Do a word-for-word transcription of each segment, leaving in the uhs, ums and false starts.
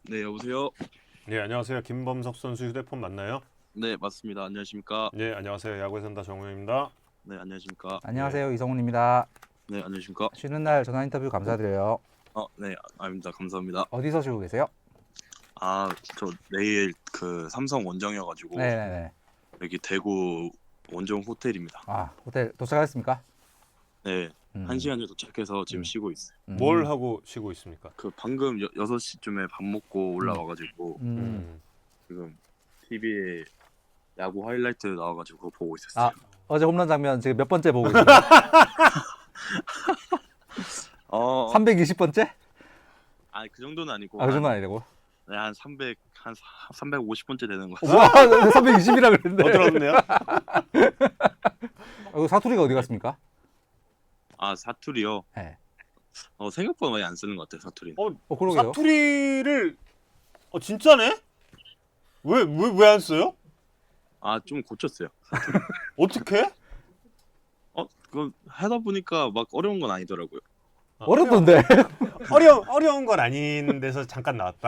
네, 여보세요? 네, 안녕하세요. 김범석 선수 휴대폰 맞나요? 네, 맞습니다. 안녕하십니까? 네, 안녕하세요. 야구에 산다 정우영입니다. 네, 안녕하십니까? 안녕하세요. 이성훈입니다. 네, 안녕하십니까? 쉬는 날 전화 인터뷰 감사드려요. 어, 네, 아닙니다. 감사합니다. 어디서 쉬고 계세요? 아, 저 내일 그 삼성 원정이어가지고 네네네. 여기 대구 원정 호텔입니다. 아, 호텔 도착하셨습니까? 네, 음. 한 시간 정도 도착해서 지금 음. 쉬고 있어요. 음. 뭘 하고 쉬고 있습니까? 그 방금 여, 여섯 시쯤에 밥 먹고 올라와가지고 음. 음. 지금 티비에 야구 하이라이트 나와가지고 그거 보고 있었어요. 아, 어제 홈런 장면 지금 몇 번째 보고 계세요? 어, 삼백이십 번째? 아니 그 정도는 아니고 아, 그 정도는 한, 아니고. 네, 한 삼백, 한 삼백오십 번째 되는 거. 와, 삼백이십이라 그랬는데. 어, 들었네요. 어, 사투리가 어디 갔습니까? 아, 사투리요? 네. 어, 생각보다 많이 안 쓰는 것 같아요, 사투리는. 어, 어, 그러게요. 사투리를 어, 진짜네? 왜 왜 왜 안 써요? 아, 좀 고쳤어요. 어떻게? 어, 그건 하다 보니까 막 어려운 건 아니더라고요. 어렵던데. 어려 어려운 건 아닌 데서 잠깐 나왔다.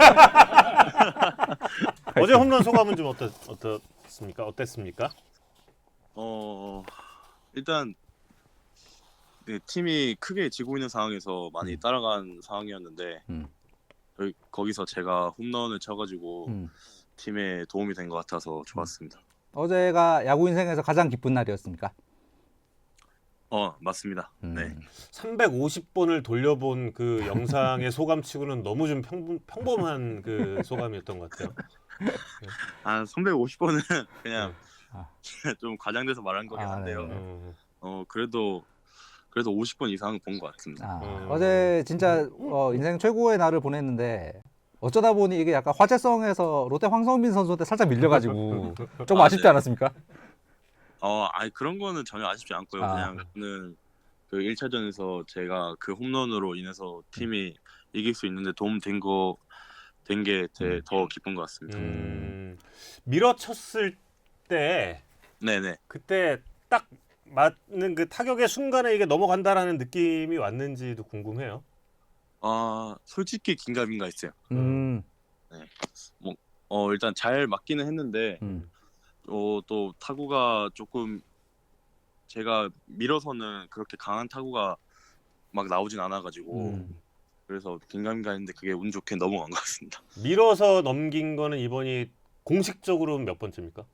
어제 홈런 소감은 좀 어떻 어떻습니까? 어땠습니까? 어, 일단 네, 팀이 크게 지고 있는 상황에서 많이 음. 따라간 상황이었는데 음. 거- 거기서 제가 홈런을 쳐가지고 음. 팀에 도움이 된 것 같아서 좋았습니다. 어제가 야구 인생에서 가장 기쁜 날이었습니까? 어, 맞습니다. 음. 네. 삼백오십 번을 돌려본 그 영상의 소감치고는 너무 좀 평범, 평범한 그 소감이었던 것 같아요. 한 삼백오십 번은 그냥 아. 좀 과장돼서 말한 거긴 아, 한데요. 네네. 음. 어, 그래도 그래도 오십 번 이상은 본 것 같습니다. 아, 음. 어제 진짜 어, 인생 최고의 날을 보냈는데 어쩌다 보니 이게 약간 화제성에서 롯데 황성빈 선수한테 살짝 밀려가지고 조금 아, 아쉽지 네. 않았습니까? 어, 아니 그런 거는 전혀 아쉽지 않고요. 아. 그냥 저는 그 일 차전에서 제가 그 홈런으로 인해서 팀이 이길 수 있는데 도움 된 거 된 게 더 기쁜 것 같습니다. 음, 밀어쳤을 때 네네. 그때 딱 맞는 그 타격의 순간에 이게 넘어간다라는 느낌이 왔는지도 궁금해요. 아, 솔직히 긴가민가 했어요. 음, 어, 일단 잘 맞기는 했는데 음, 어, 또 타구가 조금 제가 밀어서는 그렇게 강한 타구가 막 나오진 않아가지고 음. 그래서 긴가민가 했는데 그게 운 좋게 넘어간 것 같습니다. 밀어서 넘긴 거는 이번이 공식적으로 몇 번째입니까?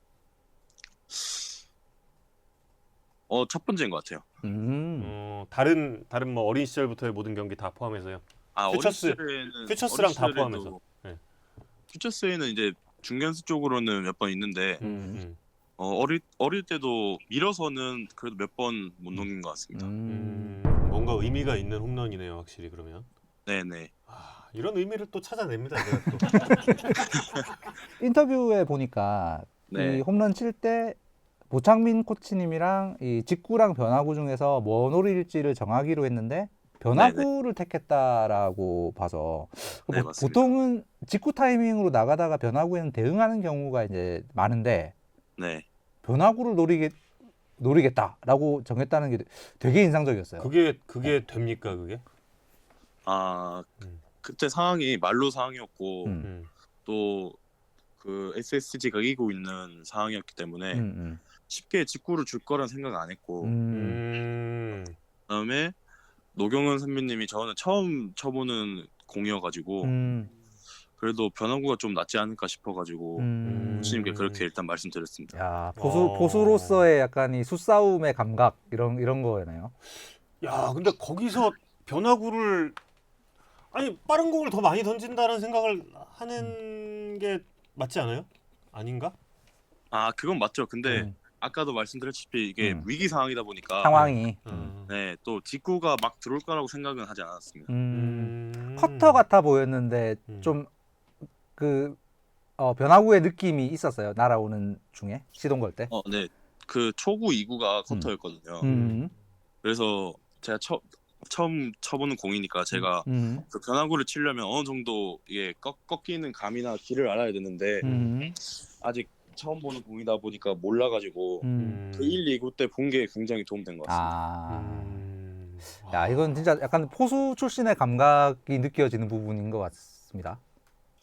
어, 첫 번째인 것 같아요. 음. 어, 다른 다른 뭐 어린 시절부터의 모든 경기 다 포함해서요. 아, 어린 퓨처스- 시절에는 퓨처스랑 어린 다 시절에도 포함해서. 네. 퓨처스에는 이제 중견수 쪽으로는 몇 번 있는데 음, 음. 어, 어릴 어릴 때도 밀어서는 그래도 몇 번 못 넘긴 것 같습니다. 음. 음, 뭔가 의미가 있는 홈런이네요, 확실히 그러면. 네네. 아, 이런 의미를 또 찾아냅니다, 제가 또. 인터뷰에 보니까 네. 이 홈런 칠 때 모창민 코치님이랑 이 직구랑 변화구 중에서 뭐 노릴지를 정하기로 했는데 변화구를 택했다라고 봐서 네, 보- 맞습니다. 보통은 직구 타이밍으로 나가다가 변화구에는 대응하는 경우가 이제 많은데 네. 변화구를 노리게 노리겠다라고 정했다는 게 되게 인상적이었어요. 그게 그게 됩니까, 그게? 아, 음. 그때 상황이 말로 상황이었고 음. 음. 또 그 에스에스지가 이기고 있는 상황이었기 때문에 음, 쉽게 직구를 줄 거란 생각 안 했고 음, 음. 음. 그다음에 노경은 선배님이 저는 처음 쳐보는 공이어가지고 음, 그래도 변화구가 좀 낫지 않을까 싶어가지고 음. 코치님께 그렇게 일단 말씀드렸습니다. 야, 포수 어. 포수로서의 약간 이 수싸움의 감각 이런 이런 거네요. 야, 근데 거기서 변화구를 아니 빠른 공을 더 많이 던진다는 생각을 하는 게 맞지 않아요? 아닌가? 아, 그건 맞죠. 근데 음, 아까도 말씀드렸다시피 이게 음. 위기 상황이다 보니까 상황이. 음. 음. 네, 또 직구가 막 들어올 거라고 생각은 하지 않았습니다. 음. 음. 커터 같아 보였는데 음. 좀 그 어, 변화구의 느낌이 있었어요. 날아오는 중에 시동 걸 때. 어, 네. 그 초구 이 구가 커터였거든요. 음. 그래서 제가 처, 처음 쳐보는 공이니까 제가 음. 그 변화구를 치려면 어느 정도 이게 꺾, 꺾이는 감이나 길을 알아야 되는데 음. 아직 처음 보는 공이다 보니까 몰라가지고 음. 그 일, 이 구 때 본 게 굉장히 도움된 것 같습니다. 아. 음. 야, 이건 진짜 약간 포수 출신의 감각이 느껴지는 부분인 것 같습니다.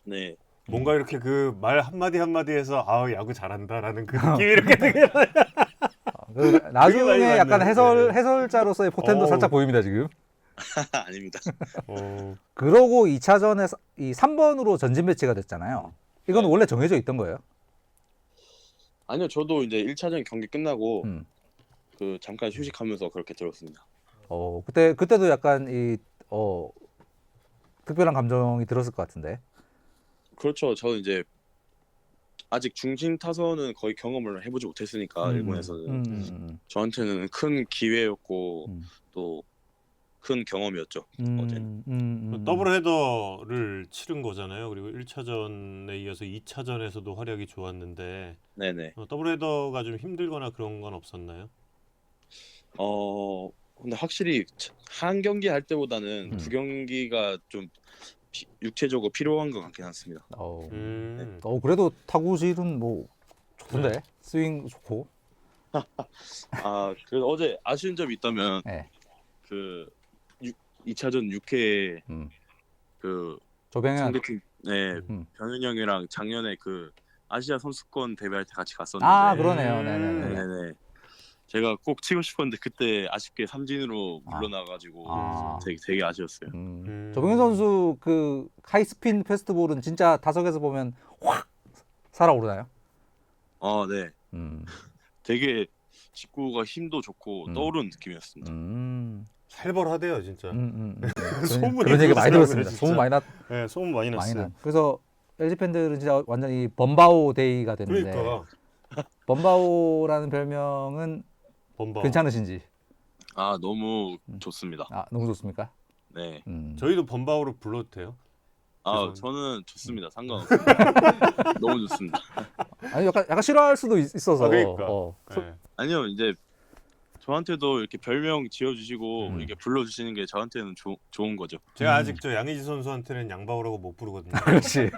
네. 뭔가 이렇게 그 말 한마디 한마디에서 아 야구 잘한다라는 그 느낌이 이렇게 되게 어, 그 나중에 많이 약간 받는, 해설 네. 해설자로서의 포텐도 어우. 살짝 보입니다 지금. 아닙니다. 어, 그러고 이 차전에 이 삼 번으로 전진 배치가 됐잖아요. 이건 네. 원래 정해져 있던 거예요. 아니요, 저도 이제 일 차전 경기 끝나고 음. 그 잠깐 휴식하면서 그렇게 들었습니다. 어 그때 그때도 약간 이 어 특별한 감정이 들었을 것 같은데. 그렇죠. 저는 이제 아직 중심 타선은 거의 경험을 해보지 못했으니까 음, 일본에서는 음, 음, 저한테는 큰 기회였고 음. 또 큰 경험이었죠. 음, 어제는. 음, 음, 음. 더블 헤더를 치른 거잖아요. 그리고 일 차전에 이어서 이 차전에서도 활약이 좋았는데 네네. 어, 더블 헤더가 좀 힘들거나 그런 건 없었나요? 어 근데 확실히 한 경기 할 때보다는 음. 두 경기가 좀 피- 육체적으로 필요한 것 같긴 않습니다. 어, 음. 어 그래도 타구질은 뭐 좋던데 네. 스윙 좋고. 아 그래서 어제 아쉬운 점이 있다면 네. 그 이 차전 육 회에 음. 그 조병현. 상대팀 네 음. 병현 형이랑 작년에 그 아시아 선수권 대회할 때 같이 갔었는데 아 그러네요. 음. 네네네. 네네 제가 꼭 치고 싶었는데 그때 아쉽게 삼진으로 아. 물러나가지고 아. 되게 되게 아쉬웠어요. 음. 음. 조병현 선수 그 하이스핀 패스트볼은 진짜 타석에서 보면 확 살아오르나요? 어, 네, 음. 되게 직구가 힘도 좋고 음. 떠오르는 느낌이었습니다. 음. 살벌하대요 진짜. 음, 음, 음. 그런, 소문이 그런 얘기 많이 그렇더라고요, 들었습니다. 진짜. 소문 많이 났 네, 소문 많이 많이 났어요. 난. 그래서 엘지 팬들은 진짜 완전히 범바오 데이가 됐는데 그러니까 범바오라는 별명은 범바. 괜찮으신지? 아 너무 음. 좋습니다. 아 너무 좋습니까? 네, 음. 저희도 범바오로 불러도 돼요? 아 죄송합니다. 저는 좋습니다. 상관없습니다. 너무 좋습니다. 아니 약간 약간 싫어할 수도 있, 있어서. 아, 그러니까. 어. 소- 네. 아니요 이제 저한테도 이렇게 별명 지어주시고 음. 이렇게 불러주시는 게 저한테는 조, 좋은 거죠. 제가 음. 아직 저 양의지 선수한테는 양바오라고 못 부르거든요. 그렇지.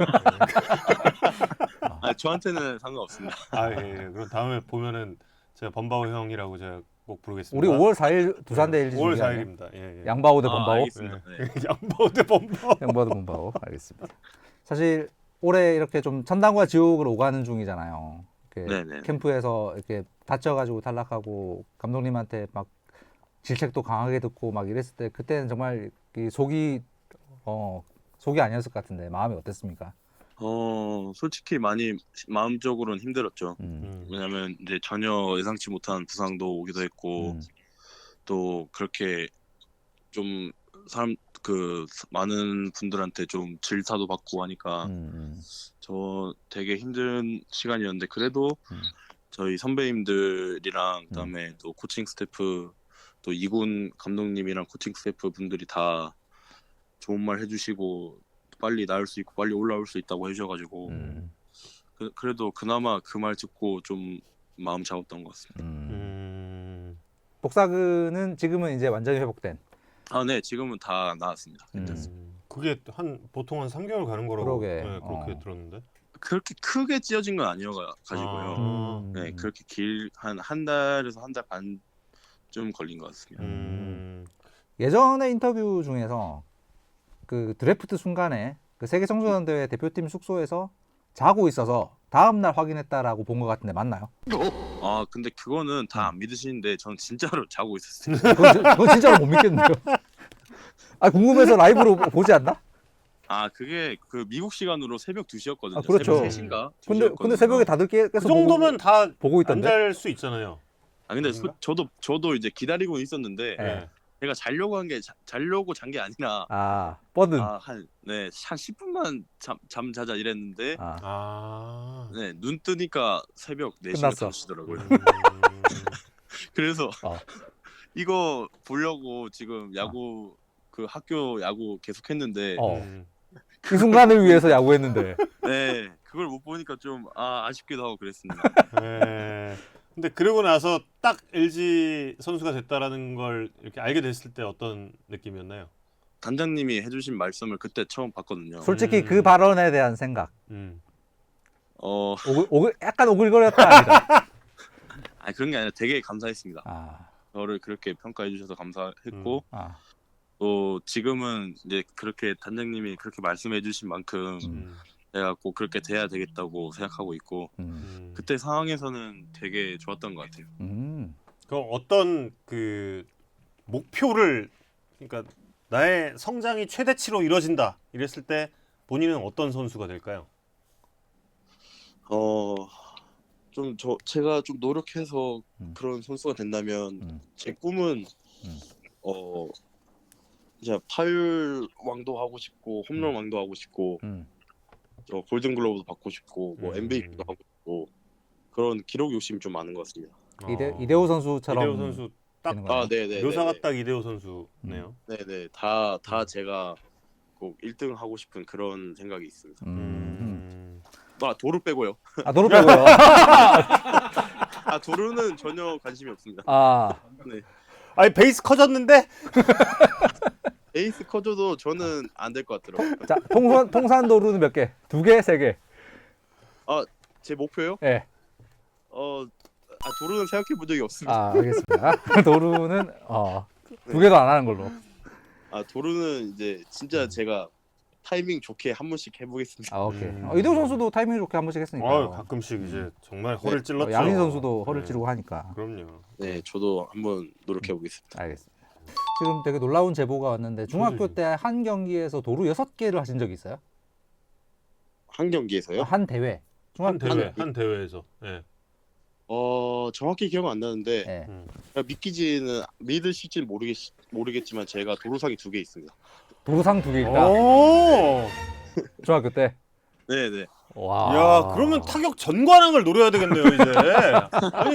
아 저한테는 상관없습니다. 아, 예, 예. 그럼 다음에 보면은 제가 범바오 형이라고 제가 꼭 부르겠습니다. 우리 오월 사일 두산 대 엘지 오월 중계 아니에요? 사일입니다. 예, 예. 양바오 대 아, 범바오. 알겠습니다. 네. 양바오 대 범바오. 양바오 대 범바오. 알겠습니다. 사실 올해 이렇게 좀 천당과 지옥을 오가는 중이잖아요. 이렇게 네네. 캠프에서 이렇게 다쳐가지고 탈락하고 감독님한테 막 질책도 강하게 듣고 막 이랬을 때 그때는 정말 이 속이 어 속이 아니었을 것 같은데 마음이 어땠습니까? 어 솔직히 많이 마음적으로는 힘들었죠. 음. 음. 왜냐면 이제 전혀 예상치 못한 부상도 오기도 했고 음. 또 그렇게 좀 사람 그 많은 분들한테 좀 질타도 받고 하니까 음. 저 되게 힘든 시간이었는데 그래도 음. 저희 선배님들이랑 그다음에 또 코칭 스태프 또 이군 감독님이랑 코칭 스태프 분들이 다 좋은 말 해주시고 빨리 나을 수 있고 빨리 올라올 수 있다고 해주셔가지고 음. 그, 그래도 그나마 그 말 듣고 좀 마음 잡았던 것 같습니다. 음. 음. 복사근은 지금은 이제 완전히 회복된. 아, 네, 지금은 다 나았습니다. 음. 괜찮습니다. 음. 그게 한 보통 한 삼 개월 가는 거라고 그러게. 네, 그렇게 어. 들었는데. 그렇게 크게 찢어진 건 아니어가지고요. 아. 음. 네, 그렇게 길 한 한 달에서 한 달 반쯤 걸린 것 같습니다. 음. 예전에 인터뷰 중에서 그 드래프트 순간에 그 세계 청소년 대회 대표팀 숙소에서 자고 있어서 다음 날 확인했다라고 본 것 같은데 맞나요? 아, 근데 그거는 다 안 믿으시는데 전 진짜로 자고 있었어요. 그건, 진- 그건 진짜로 못 믿겠네요. 아 궁금해서 라이브로 보지 않나? 아, 그게 그 미국 시간으로 새벽 두 시였거든요. 아, 그렇죠. 새벽 세 시인가? 근데 근데 새벽에 다들 깨, 그 깨서 정도면 다 보고, 보고 있던데. 안 잘 수 있잖아요. 아, 근데 아닌가? 소, 저도 저도 이제 기다리고 있었는데 네. 네. 제가 자려고 한 게 자려고 잔 게 아니라 아 뻗은. 아, 한 네, 한 십 분만 잠, 잠 자자 이랬는데 아. 아. 네, 눈 뜨니까 새벽 네 시가 끝났어. 다섯 시더라고요. 음. 그래서 어. 이거 보려고 지금 야구 그 학교 야구 계속 했는데 어. 음. 이 순간을 위해서 야구했는데. 네, 그걸 못 보니까 좀 아, 아쉽기도 하고 그랬습니다. 네. 근데 그러고 나서 딱 엘지 선수가 됐다라는 걸 이렇게 알게 됐을 때 어떤 느낌이었나요? 단장님이 해주신 말씀을 그때 처음 봤거든요. 솔직히 음. 그 발언에 대한 생각. 음. 어, 오글, 오글, 약간 오글거렸다 아니다. 아 그런 게 아니라 되게 감사했습니다. 아. 저를 그렇게 평가해 주셔서 감사했고 아. 또 지금은 이제 그렇게 단장님이 그렇게 말씀해 주신 만큼 음. 음. 내가 꼭 그렇게 돼야 되겠다고 생각하고 있고 음. 음. 그때 상황에서는 되게 좋았던 것 같아요. 음. 그럼 어떤 그 목표를 그러니까 나의 성장이 최대치로 이뤄진다 이랬을 때 본인은 어떤 선수가 될까요? 어, 좀 저 제가 좀 노력해서 음. 그런 선수가 된다면 음. 제 꿈은 음. 어 이제 파율 왕도 하고 싶고 홈런 음. 왕도 하고 싶고 음. 저 골든글러브도 받고 싶고 뭐 음. 엠브이피도 하고 싶고 그런 기록 욕심이 좀 많은 것 같습니다. 이대 어. 이대호 선수처럼 이대호 선수 딱 되는 거네요. 아, 네네. 묘사가 딱 이대호 선수네요. 네네 다 다 음. 제가 꼭 일 등 하고 싶은 그런 생각이 있습니다. 음. 음. 아 도루 빼고요. 아 도로 빼고요. 아 도루는 전혀 관심이 없습니다. 아. 네. 아니 베이스 커졌는데? 에이스 커져도 저는 안 될 것 같더라고요. 자, 통산 통산 도루는 몇 개? 두 개, 세 개. 제 목표요? 예. 어, 아, 도루는 생각해 본 적이 없습니다. 아, 알겠습니다. 도루는 어, 두 개도 안 하는 걸로. 아, 도루는 이제 진짜 제가 타이밍 좋게 한 번씩 해보겠습니다. 아, 오케이. 음. 어, 이대호 선수도 타이밍 좋게 한 번씩 했으니까. 어, 가끔씩 이제 정말 허를 네. 찔렀죠. 양인 선수도 허를 네. 찌르고 하니까. 그럼요. 네, 저도 한번 노력해 보겠습니다. 알겠습니다. 지금 되게 놀라운 제보가 왔는데 중학교 저도 때 한 경기에서 도루 여섯 개를 하신 적 있어요? 한 경기에서요? 한 대회. 한 중학교 대회, 한- 한 대회에서. 예. 어, 정확히 기억 안 나는데 예. 음. 제가 믿기지는 믿으실지 모르겠 모르겠지만 제가 도루상이 두 개 있습니다. 도루상 두 어? 개니까 오! 중학교 때. 네, 네. 와. 야, 그러면 타격 전관왕을 노려야 되겠네요, 이제. 아니,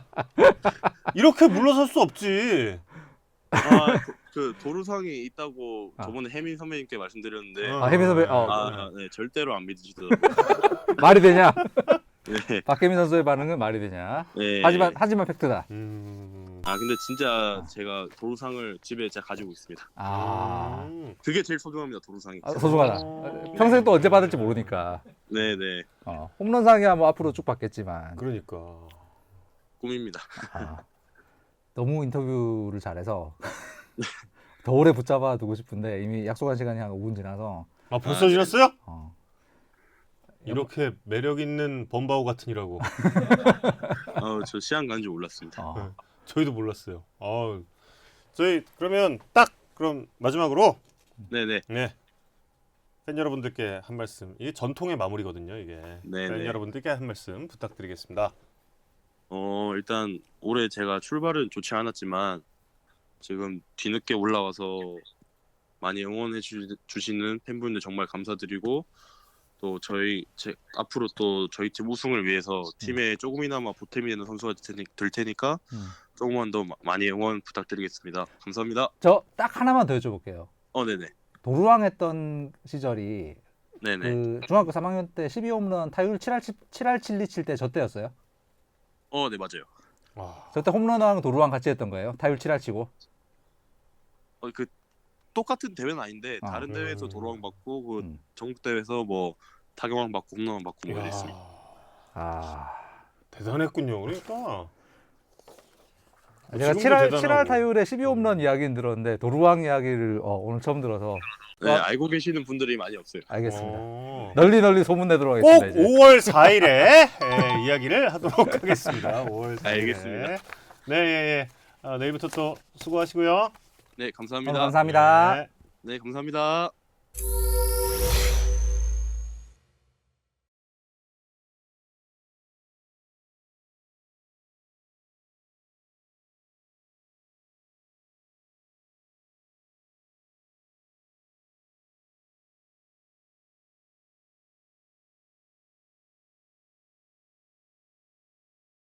이렇게 물러설 수 없지. 아, 도, 그 도루상이 있다고 아. 저번에 혜민 선배님께 말씀드렸는데 어. 아, 혜민 선배, 어. 아, 네, 절대로 안 믿으시더라고요. 말이 되냐? 네, 박혜민 선수의 반응은 말이 되냐? 네. 하지만 하지만 팩트다. 음. 아, 근데 진짜 제가 도루상을 집에 제가 가지고 있습니다. 아. 음. 그게 제일 소중합니다, 도루상이. 아, 소중하다. 어. 평생 또 언제 받을지 모르니까. 네, 네. 어, 홈런상이야 뭐 앞으로 쭉 받겠지만. 그러니까. 꿈입니다. 아, 너무 인터뷰를 잘해서 더 오래 붙잡아 두고 싶은데 이미 약속한 시간이 한 오 분 지나서 아, 벌써 아, 지났어요? 어, 이렇게 매력 있는 범바오 같으니라고. 아, 저 시간 가는 줄 몰랐습니다. 어, 저희도 몰랐어요. 아, 저희 그러면 딱 그럼 마지막으로 네, 네. 네. 팬 여러분들께 한 말씀. 이게 전통의 마무리거든요, 이게. 네, 팬 네. 여러분들께 한 말씀 부탁드리겠습니다. 어, 일단 올해 제가 출발은 좋지 않았지만 지금 뒤늦게 올라와서 많이 응원해 주, 주시는 팬분들 정말 감사드리고 또 저희 제, 앞으로 또 저희 팀 우승을 위해서 팀에 조금이나마 보탬이 되는 선수가 될, 테니, 될 테니까 음. 조금만 더 마- 많이 응원 부탁드리겠습니다. 감사합니다. 저 딱 하나만 더 여쭤볼게요. 어, 네네. 도루왕 했던 시절이 네네. 그 중학교 삼 학년 때 십이 홈런 타율 칠 할 칠리 칠 때 저 때였어요? 어, 네, 맞아요. 와. 저 때 홈런왕 도루왕 같이 했던 거예요? 타율 칠 할 치고? 어, 그 똑같은 대회는 아닌데 아. 다른 대회에서 음. 도로왕 받고 그 음. 전국 대회에서 뭐 타격왕 받고 홈런왕 받고 뭐 이야, 이랬습니다. 아, 대단했군요. 그러니까. 제가 지금도 칠 할 대단하고. 칠 할 타율에 십이 홈런 이야기는 들었는데 도루왕 이야기를 어, 오늘 처음 들어서 네, 어. 알고 계시는 분들이 많이 없어요. 알겠습니다. 어. 널리 널리 소문 내도록 꼭 하겠습니다. 이제. 오월 사일에 예, 이야기를 하도록 하겠습니다. 오월 사일에. 알겠습니다. 네, 예, 예. 아, 내일부터 또 수고하시고요. 네, 오늘 감사합니다. 감사합니다. 네. 네, 감사합니다.